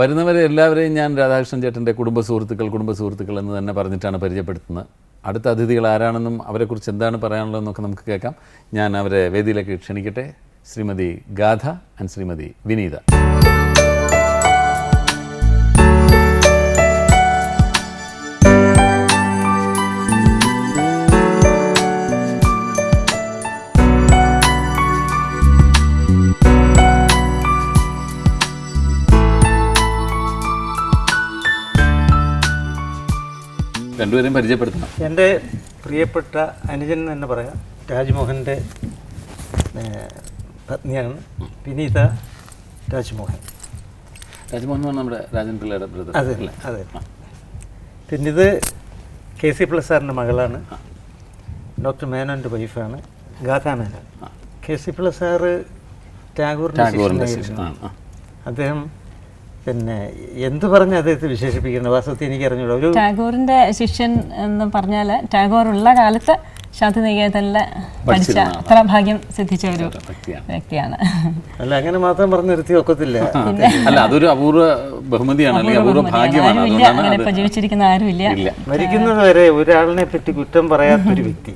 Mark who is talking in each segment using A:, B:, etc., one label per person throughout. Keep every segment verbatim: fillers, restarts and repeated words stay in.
A: വരുന്നവരെ എല്ലാവരെയും ഞാൻ രാധാകൃഷ്ണൻ ചേട്ടൻ്റെ കുടുംബ സുഹൃത്തുക്കൾ കുടുംബ സുഹൃത്തുക്കൾ എന്ന് തന്നെ പറഞ്ഞിട്ടാണ് പരിചയപ്പെടുത്തുന്നത്. അടുത്ത അതിഥികൾ ആരാണെന്നും അവരെക്കുറിച്ച് എന്താണ് പറയാനുള്ളതെന്നൊക്കെ നമുക്ക് കേൾക്കാം. ഞാൻ അവരെ വേദിയിലേക്ക് ക്ഷണിക്കട്ടെ. ശ്രീമതി ഗാഥ ആൻഡ് ശ്രീമതി വിനീത. രണ്ടുപേരെയും പരിചയപ്പെടുത്തണം.
B: എൻ്റെ പ്രിയപ്പെട്ട അനുജൻ എന്ന് തന്നെ പറയാം. രാജ്മോഹൻ്റെ പത്നിയാണ് വിനീത രാജ്മോഹൻ.
A: രാജ്മോഹൻ നമ്മുടെ രാജൻ പിള്ളയുടെ ബ്രദർ.
B: അതെ അതെ. പിന്നെ ഇത് കെ സി പിള്ള സാറിൻ്റെ മകളാണ്. ഡോക്ടർ മേനോൻ്റെ വൈഫാണ് Gatha Menon. K C Pillai sir ടാഗോറിൻ്റെ ശിഷ്യനായിരുന്നു. അദ്ദേഹം പിന്നെ എന്ത് പറഞ്ഞ് അദ്ദേഹത്തെ വിശേഷിപ്പിക്കുന്നത് വാസ്തവത്തിൽ എനിക്ക് അറിഞ്ഞൂടാ. ഒരു
C: ടാഗോറിന്റെ ശിഷ്യൻ എന്ന് പറഞ്ഞാൽ ടാഗോർ ഉള്ള കാലത്ത് ശാന്തിനികേതനിൽ പഠിച്ച അത്ര ഭാഗ്യം സിദ്ധിച്ച ഒരു വ്യക്തിയാണ്.
B: അല്ല അങ്ങനെ മാത്രം പറഞ്ഞു നിർത്തി ഒക്കത്തില്ല.
A: അല്ല അതൊരു അപൂർവ ബഹുമതിയാണ്, അല്ലെങ്കിൽ അപൂർവ ഭാഗ്യമാണ്.
C: അങ്ങനെ ഇപ്പൊ ജീവിച്ചിരിക്കുന്ന ആരുമില്ല.
B: മരിക്കുന്നത് വരെ ഒരാളിനെ പറ്റി കുറ്റം പറയാത്തൊരു വ്യക്തി.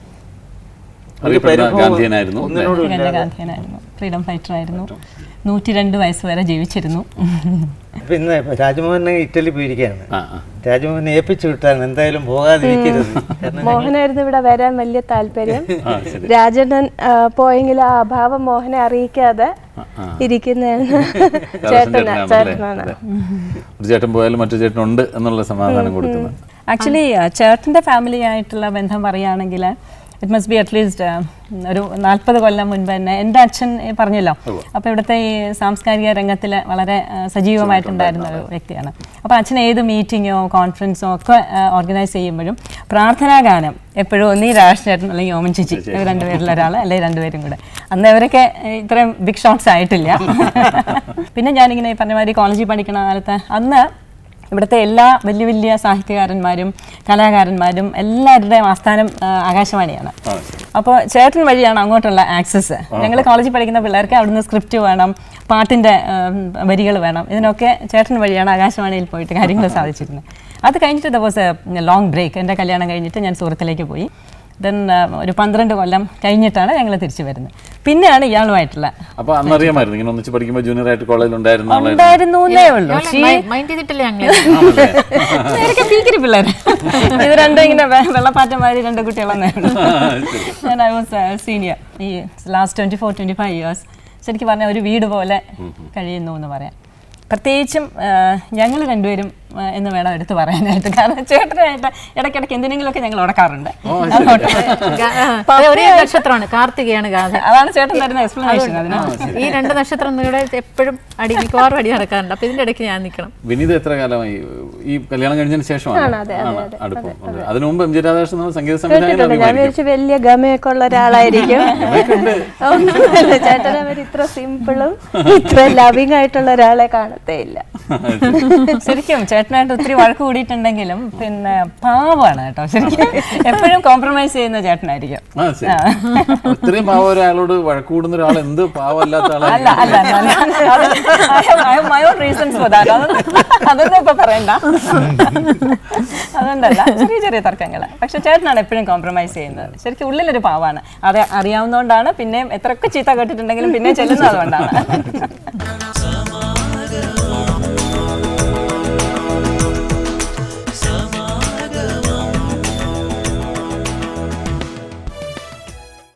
A: ഗാന്ധിയനായിരുന്നു,
C: ഗാന്ധിയനായിരുന്നു, ഫ്രീഡം ഫൈറ്റർ ആയിരുന്നു. നൂറ്റി രണ്ട് വയസ്സ് വരെ ജീവിച്ചിരുന്നു.
B: പിന്നെ രാജ്മോഹനെ ഇറ്റലി പോയിരിക്കുകയാണ്. രാജ്മോഹനെ ഏൽപ്പിച്ചു വിട്ടാണ്, എന്തായാലും പോകാതിരിക്കരുത്.
D: മോഹനായിരുന്നു ഇവിടെ വരാൻ വലിയ താല്പര്യം. രാജേട്ടൻ പോയെങ്കിൽ ആ അഭാവം മോഹനെ അറിയിക്കാതെ ഇരിക്കുന്നതാണ് ചേട്ടനാ ചേട്ടനാണ്.
A: ഒരു ചേട്ടൻ പോയാലും മറ്റു ചേട്ടനുണ്ട് എന്നുള്ള സമാധാനം കൊടുക്കുന്നത്.
C: ആക്ച്വലി ചേട്ടൻ്റെ ഫാമിലി ആയിട്ടുള്ള ബന്ധം പറയുകയാണെങ്കിൽ ഇറ്റ് മസ്റ്റ് ബി അറ്റ്ലീസ്റ്റ് ഒരു നാൽപ്പത് കൊല്ലം മുൻപ് തന്നെ എൻ്റെ അച്ഛൻ പറഞ്ഞല്ലോ. അപ്പോൾ ഇവിടുത്തെ ഈ സാംസ്കാരിക രംഗത്തിൽ വളരെ സജീവമായിട്ടുണ്ടായിരുന്ന ഒരു വ്യക്തിയാണ്. അപ്പോൾ അച്ഛൻ ഏത് മീറ്റിങ്ങോ കോൺഫറൻസോ ഒക്കെ ഓർഗനൈസ് ചെയ്യുമ്പോഴും പ്രാർത്ഥനാ ഗാനം എപ്പോഴും ഒന്നീ രാഷ്ട്രീയമായിട്ടും അല്ലെങ്കിൽ ഓമൻ ചേച്ചി രണ്ടുപേരിൽ ഒരാൾ അല്ലെങ്കിൽ രണ്ടുപേരും കൂടെ. അന്ന് അവരൊക്കെ ഇത്രയും ബിഗ് ഷോട്ട്സ് ആയിട്ടില്ല. പിന്നെ ഞാനിങ്ങനെ പറഞ്ഞ മാതിരി കോളേജിൽ പഠിക്കുന്ന കാലത്ത് അന്ന് ഇവിടുത്തെ എല്ലാ വലിയ വലിയ സാഹിത്യകാരന്മാരും കലാകാരന്മാരും എല്ലാവരുടെയും ആസ്ഥാനം ആകാശവാണിയാണ്. അപ്പോൾ ചേട്ടൻ വഴിയാണ് അങ്ങോട്ടുള്ള ആക്സസ്. ഞങ്ങൾ കോളേജിൽ പഠിക്കുന്ന പിള്ളേർക്ക് അവിടുന്ന് സ്ക്രിപ്റ്റ് വേണം, പാട്ടിൻ്റെ വരികൾ വേണം, ഇതിനൊക്കെ ചേട്ടൻ വഴിയാണ് ആകാശവാണിയിൽ പോയിട്ട് കാര്യങ്ങൾ സാധിച്ചിരുന്നത്. അത് കഴിഞ്ഞിട്ട് the was a long break. എൻ്റെ കല്യാണം കഴിഞ്ഞിട്ട് ഞാൻ സൂറത്തിലേക്ക് പോയി. ദെൻ ഒരു പന്ത്രണ്ട് കൊല്ലം കഴിഞ്ഞിട്ടാണ് ഞങ്ങൾ തിരിച്ചു വരുന്നത്. പിന്നെയാണ് ഇയാളുമായിട്ടുള്ള.
A: അപ്പോൾ അന്നറിയാമായിരുന്നു ഇങ്ങനെ ഒന്നിച്ച് പഠിക്കുമ്പോൾ ജൂനിയർ ആയിട്ട് കോളേജിൽ ഉണ്ടായിരുന്നേ
C: ഉള്ളൂ. പിള്ളേർ ഇത് രണ്ടും ഇങ്ങനെ വെള്ളപ്പാറ്റമാരി രണ്ട് കുട്ടികളെന്നായിരുന്നു. ഞാൻ ഐ വാസ് സീനിയർ. ഈ last twenty four twenty five years ശരിക്കും പറഞ്ഞാൽ ഒരു വീട് പോലെ കഴിയുന്നു എന്ന് പറയാം. പ്രത്യേകിച്ചും ഞങ്ങൾ രണ്ടുപേരും എന്ന് വേണം എടുത്ത് പറയാനായിട്ട്. കാരണം ചേട്ടനായിട്ട് ഇടയ്ക്കിടയ്ക്ക് എന്തിനെങ്കിലുമൊക്കെ ഞങ്ങൾ ഉടക്കാറുണ്ട്.
E: ഒരേ നക്ഷത്രമാണ് കാർത്തികയാണ് ഗാഥ.
C: അതാണ് ചേട്ടൻ തരുന്ന എക്സ്പ്ലനേഷൻ. അതിന്
E: ഈ രണ്ട് നക്ഷത്രം ഇവിടെ എപ്പോഴും അടി മിക്കവാറും അടി നടക്കാറുണ്ട്. അപ്പൊ ഇതിന്റെ ഇടയ്ക്ക് ഞാൻ നിൽക്കണം.
A: വിനീത എത്ര കാലമായി ഈ കല്യാണം കഴിഞ്ഞതിന് ശേഷമാണ് അടുപ്പം? അതിനു മുമ്പ് എം ജി രാധാകൃഷ്ണൻ സംഗീത സംവിധായകൻ.
D: ഞാൻ വിചാരിച്ചു വലിയ ഗമയൊക്കെ ഉള്ള ഒരാളായിരിക്കും. ചേട്ടനെ അവർ ഇത്ര സിമ്പിളും ഇത്ര ലവിങ് ആയിട്ടുള്ള ഒരാളെ കാണത്തേ ഇല്ല.
C: ശരിക്കും ചേട്ടനായിട്ട് ഒത്തിരി വഴക്ക് കൂടിയിട്ടുണ്ടെങ്കിലും പിന്നെ പാവമാണ് കേട്ടോ. ശരിക്കും എപ്പോഴും കോംപ്രമൈസ് ചെയ്യുന്ന ചേട്ടനായിരിക്കും.
A: ഇത്രയും പാവം ഒരാളോട് വഴക്ക് കൂടുന്ന ഒരാൾ എന്ത് പാവമല്ലാത്ത ആളല്ല.
C: അല്ല അതൊന്നും ഇപ്പൊ പറയണ്ട. അതുകൊണ്ടല്ല, ചെറിയ ചെറിയ തർക്കങ്ങള്. പക്ഷെ ചേട്ടനാണ് എപ്പോഴും കോംപ്രമൈസ് ചെയ്യുന്നത്. ശരിക്കും ഉള്ളിലൊരു പാവാണ്. അത് അറിയാവുന്നതുകൊണ്ടാണ് പിന്നെയും എത്രയൊക്കെ ചീത്ത കേട്ടിട്ടുണ്ടെങ്കിലും പിന്നെ ചെല്ലുന്നത് അതുകൊണ്ടാണ്.